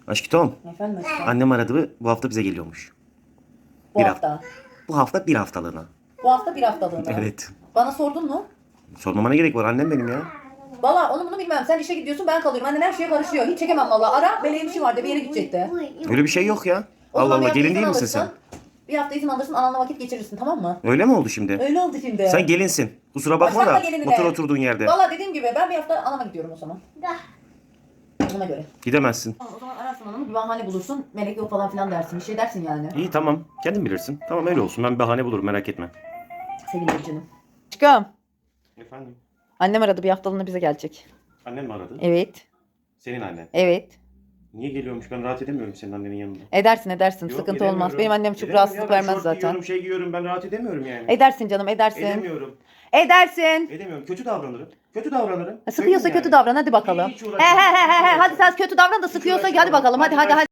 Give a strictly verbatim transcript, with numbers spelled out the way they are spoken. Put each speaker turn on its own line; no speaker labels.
Aşkım,
Efendim aşkım.
annem aradı, bu hafta bize geliyormuş.
Bu
bir
hafta.
Bu hafta bir haftalığına.
Bu hafta bir haftalığına.
Evet.
Bana sordun mu?
Sormamana gerek var, annem benim ya.
Valla onu bunu bilmem. Sen işe gidiyorsun, ben kalıyorum. Annen her şeye karışıyor. Hiç çekemem valla. Ara, benim işim vardı, bir yere gidecekti.
Öyle bir şey yok ya.
O
Allah
zaman bir
Allah,
hafta
gelin
izin
değil misin sen?
alırsın. Bir hafta izin alırsın, ananla vakit geçirirsin, tamam mı?
Öyle mi oldu şimdi?
Öyle oldu şimdi.
Sen gelinsin. Kusura bakma
Başlatma
da
gelinine.
otur oturduğun yerde.
Valla dediğim gibi ben bir hafta anama gidiyorum o zaman. Ona göre.
Gidemezsin.
O zaman ararsın anamı, bir bahane bulursun. Melek yok falan filan dersin. Bir şey dersin yani.
İyi tamam. Kendin bilirsin. Tamam öyle olsun. Ben bir bahane bulurum, merak etme.
Sevinirim canım. Aşkım.
Efendim?
Annem aradı, bir haftalığına bize gelecek.
Annen mi aradı?
Evet.
Senin annen.
Evet.
Niye geliyormuş? Ben rahat edemiyorum senin annenin yanında.
Edersin edersin.
Yok,
Sıkıntı
edemiyorum.
olmaz. Benim annem çok
Edemem
rahatsızlık
ya, ben
vermez
şort
zaten.
giyiyorum, şey giyiyorum. Ben rahat edemiyorum yani.
Edersin canım, edersin.
Edemiyorum.
Edersin.
Edemiyorum. Kötü davranırım. Kötü davranırım.
Sıkıyorsa
Söyleyeyim
kötü
yani.
davran, hadi bakalım.
Hiç
He
uğraşamam.
he he he.
Hiç
Hadi sen kötü davran da sıkıyorsa hadi
uğraşamam.
bakalım. Hadi hadi hadi.